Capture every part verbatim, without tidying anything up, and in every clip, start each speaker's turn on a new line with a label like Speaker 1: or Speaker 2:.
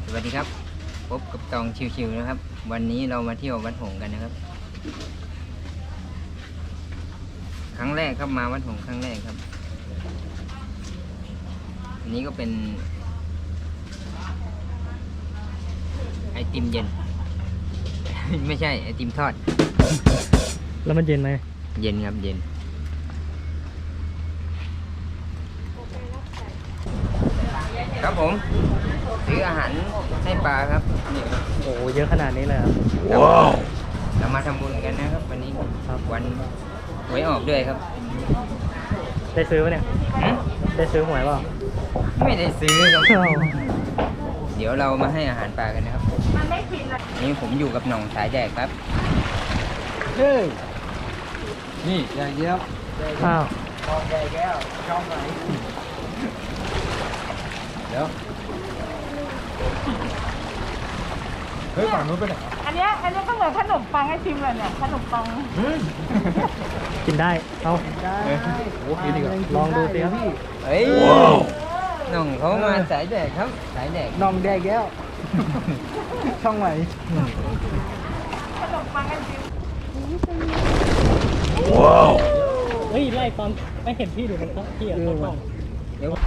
Speaker 1: วัสดีครับพบกับตองชิวๆนะครับวันนี้เรามาเที่ยววัดหงส์กันนะครับครั้งแรกครับมาวัดหงส์ครั้งแรกครับอันนี้ก็เป็นไอติมเย็น ไม่ใช่ไอติมทอด
Speaker 2: แล้วมันเย็นไหม
Speaker 1: เย็นครับเย็นครับผมซื้ออาหารให้ปลาครับนี่
Speaker 2: โอ้เยอะขนาดนี้เลยครับ
Speaker 1: ว้าวเรามาทำบุญกันนะครับวันนี้ครับวันหวยออกด้วยครับ
Speaker 2: ได้ซื้อปะเนี่ยได้ซื้อหวยเปล่า
Speaker 1: ไม่ได้ซื้อครับ
Speaker 2: อ้าว
Speaker 1: เดี๋ยวเรามาให้อาหารปลากันนะครับนี่ผมอยู่กับหน่องสายแดกครับเฮ้ยนี่ใหญ่เยี่ยม
Speaker 2: อ้าว
Speaker 1: ทองใหญ่แก้วช่องไหนเดี๋ยวเฮ้ยฝั่งนู้นไปไหน
Speaker 3: อันเนี้ยอันนี้ก็เหมือนขนมปังไอติมเลยเนี่ยขนมปัง
Speaker 2: กินได้เอาได้
Speaker 1: โอ้ยดีกว่า
Speaker 2: ลองดูสิครับ
Speaker 1: เฮ้ยหน่องเขามาสายแดกครับสายแดก
Speaker 2: น้องแดกแก้ว ช่องไหน
Speaker 3: ขนมปังไอติม
Speaker 2: ว้าวเฮ้ยไล่ตอนไม่เห็นพี่ดูมันครับพี่อ่ะต้อง
Speaker 1: เดี๋ยว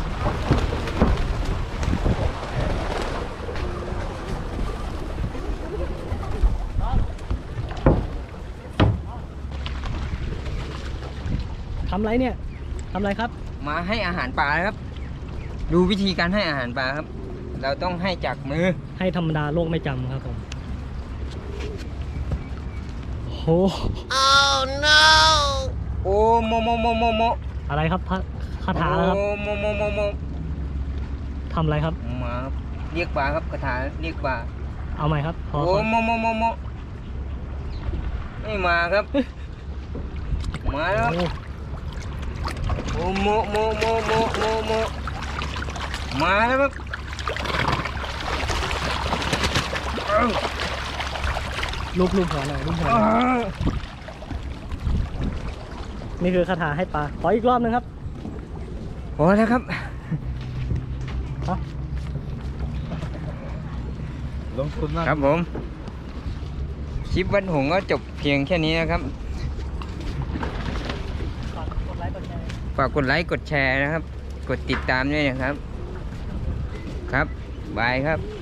Speaker 2: ทำไรเนี่ยทำไรครับ
Speaker 1: มาให้อาหารปลาครับดูวิธีการให้อาหารปลาครับเราต้องให้จากมือ
Speaker 2: ให้ธรรมดาโลกไม่จำครับผมโห
Speaker 1: oh no โอ้โมโมโมโมโม
Speaker 2: อะไรครับพระคาถาครับ
Speaker 1: โอ้โมโมโมโม
Speaker 2: ทำอะไรครับ
Speaker 1: มาครับเรียกปลาครับคาถาเรียกปลา
Speaker 2: เอาใหม่ครับพอ
Speaker 1: โอ้โมโมโมโมไม่มาครับมาแล้วโอ้โมโมโมโมโมโมมาแล้วครับ
Speaker 2: ลูบลูบหัวหน่อยลูบหัวหน่อยนี่คือคาถาให้ปลาขออีกรอบนึงครับ
Speaker 1: พอแล้วครับ
Speaker 2: ลงทุนมาก
Speaker 1: ครับผมคลิปวัดหงส์ก็จบเพียงแค่นี้นะครับฝากกดไลค์กดแชร์นะครับกดติดตามด้วยนะครับครับบายครับ